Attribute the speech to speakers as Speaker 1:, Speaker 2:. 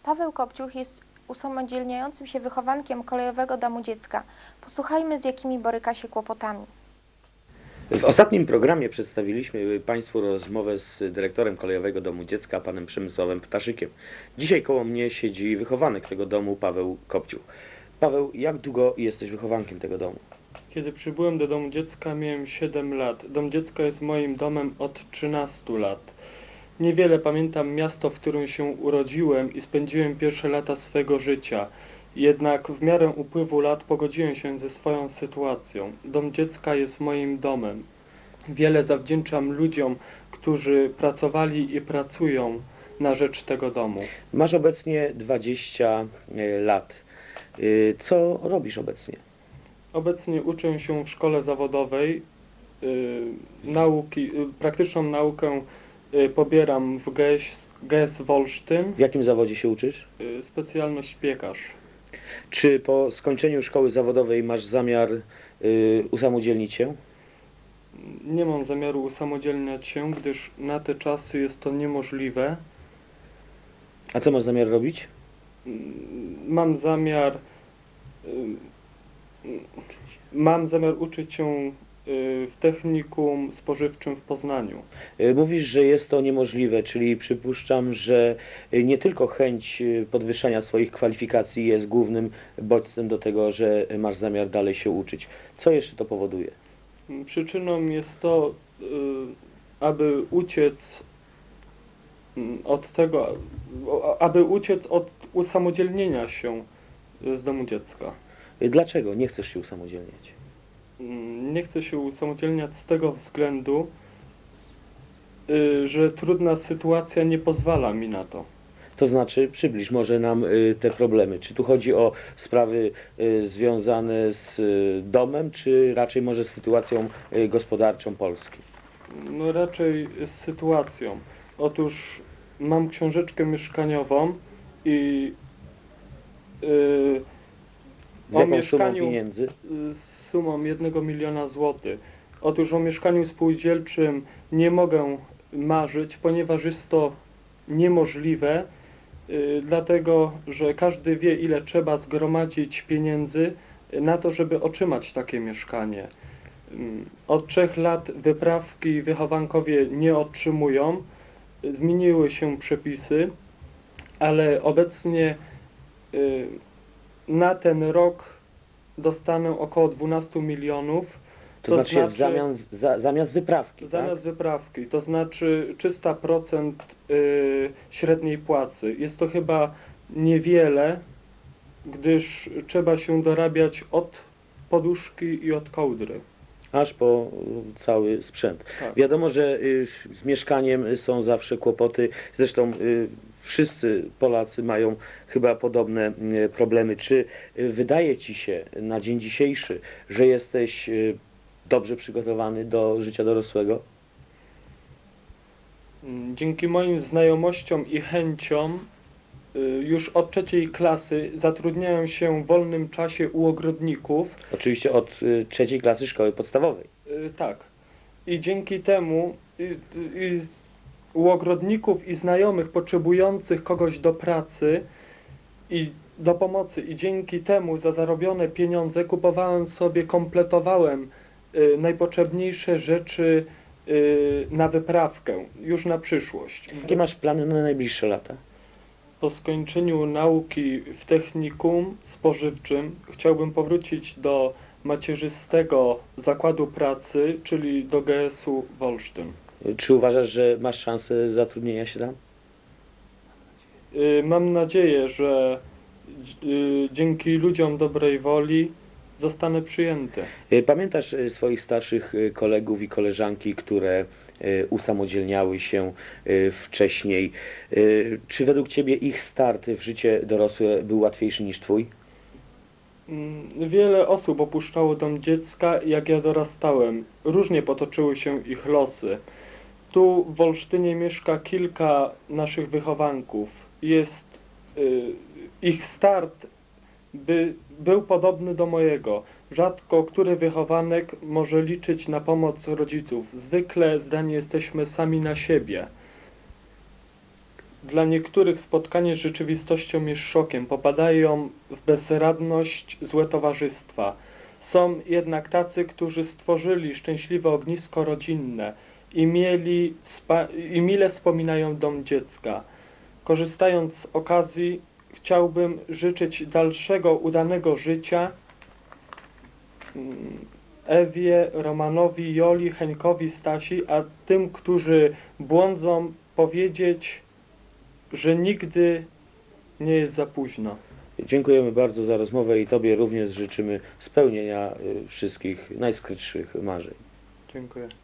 Speaker 1: Paweł Kopciuch jest usamodzielniającym się wychowankiem Kolejowego Domu Dziecka. Posłuchajmy, z jakimi boryka się kłopotami.
Speaker 2: W ostatnim programie przedstawiliśmy Państwu rozmowę z dyrektorem Kolejowego Domu Dziecka, panem Przemysławem Ptaszykiem. Dzisiaj koło mnie siedzi wychowanek tego domu, Paweł Kopciuch. Paweł, jak długo jesteś wychowankiem tego domu?
Speaker 3: Kiedy przybyłem do Domu Dziecka, miałem 7 lat. Dom Dziecka jest moim domem od 13 lat. Niewiele pamiętam miasto, w którym się urodziłem i spędziłem pierwsze lata swego życia. Jednak w miarę upływu lat pogodziłem się ze swoją sytuacją. Dom Dziecka jest moim domem. Wiele zawdzięczam ludziom, którzy pracowali i pracują na rzecz tego domu.
Speaker 2: Masz obecnie 20 lat. Co robisz obecnie?
Speaker 3: Obecnie uczę się w szkole zawodowej. Praktyczną naukę pobieram w GS Wolsztyn.
Speaker 2: W jakim zawodzie się uczysz?
Speaker 3: Specjalność piekarz.
Speaker 2: Czy po skończeniu szkoły zawodowej masz zamiar usamodzielnić się?
Speaker 3: Nie mam zamiaru usamodzielniać się, gdyż na te czasy jest to niemożliwe.
Speaker 2: A co masz zamiar robić?
Speaker 3: Mam zamiar uczyć się w technikum spożywczym w Poznaniu.
Speaker 2: Mówisz, że jest to niemożliwe, czyli przypuszczam, że nie tylko chęć podwyższania swoich kwalifikacji jest głównym bodźcem do tego, że masz zamiar dalej się uczyć. Co jeszcze to powoduje?
Speaker 3: Przyczyną jest to, aby uciec od usamodzielnienia się z domu dziecka.
Speaker 2: Dlaczego nie chcesz się usamodzielniać?
Speaker 3: Nie chcę się usamodzielniać z tego względu, że trudna sytuacja nie pozwala mi na to.
Speaker 2: To znaczy, przybliż może nam te problemy. Czy tu chodzi o sprawy związane z domem, czy raczej może z sytuacją gospodarczą Polski?
Speaker 3: No raczej z sytuacją. Otóż mam książeczkę mieszkaniową i
Speaker 2: Z jaką sumą pieniędzy?
Speaker 3: Z sumą 1 miliona złotych. Otóż o mieszkaniu spółdzielczym nie mogę marzyć, ponieważ jest to niemożliwe, dlatego że każdy wie, ile trzeba zgromadzić pieniędzy na to, żeby otrzymać takie mieszkanie. Od 3 lat wyprawki wychowankowie nie otrzymują, zmieniły się przepisy, ale obecnie na ten rok dostanę około 12 milionów.
Speaker 2: To znaczy zamiast wyprawki,
Speaker 3: zamiast
Speaker 2: tak?
Speaker 3: wyprawki, to znaczy 300% średniej płacy. Jest to chyba niewiele, gdyż trzeba się dorabiać od poduszki i od kołdry.
Speaker 2: Aż po cały sprzęt.
Speaker 3: Tak.
Speaker 2: Wiadomo, że z mieszkaniem są zawsze kłopoty. Zresztą wszyscy Polacy mają chyba podobne problemy. Czy wydaje Ci się na dzień dzisiejszy, że jesteś dobrze przygotowany do życia dorosłego?
Speaker 3: Dzięki moim znajomościom i chęciom już od 3. klasy zatrudniałem się w wolnym czasie u ogrodników.
Speaker 2: Oczywiście od 3. klasy szkoły podstawowej.
Speaker 3: Tak. I dzięki temu u ogrodników i znajomych potrzebujących kogoś do pracy i do pomocy i dzięki temu za zarobione pieniądze kompletowałem najpotrzebniejsze rzeczy na wyprawkę, już na przyszłość.
Speaker 2: Jakie masz plany na najbliższe lata?
Speaker 3: Po skończeniu nauki w technikum spożywczym chciałbym powrócić do macierzystego zakładu pracy, czyli do GS-u Wolsztyn.
Speaker 2: Czy uważasz, że masz szansę zatrudnienia się tam?
Speaker 3: Mam nadzieję, że dzięki ludziom dobrej woli zostanę przyjęty.
Speaker 2: Pamiętasz swoich starszych kolegów i koleżanki, które usamodzielniały się wcześniej? Czy według Ciebie ich start w życie dorosłe był łatwiejszy niż Twój?
Speaker 3: Wiele osób opuszczało dom dziecka, jak ja dorastałem. Różnie potoczyły się ich losy. Tu w Wolsztynie mieszka kilka naszych wychowanków. Ich start był podobny do mojego. Rzadko który wychowanek może liczyć na pomoc rodziców. Zwykle zdani jesteśmy sami na siebie. Dla niektórych spotkanie z rzeczywistością jest szokiem, popadają w bezradność, złe towarzystwa. Są jednak tacy, którzy stworzyli szczęśliwe ognisko rodzinne i mile wspominają dom dziecka. Korzystając z okazji, chciałbym życzyć dalszego udanego życia Ewie, Romanowi, Joli, Henkowi, Stasi, a tym, którzy błądzą, powiedzieć, że nigdy nie jest za późno.
Speaker 2: Dziękujemy bardzo za rozmowę i Tobie również życzymy spełnienia wszystkich najskrytszych marzeń.
Speaker 3: Dziękuję.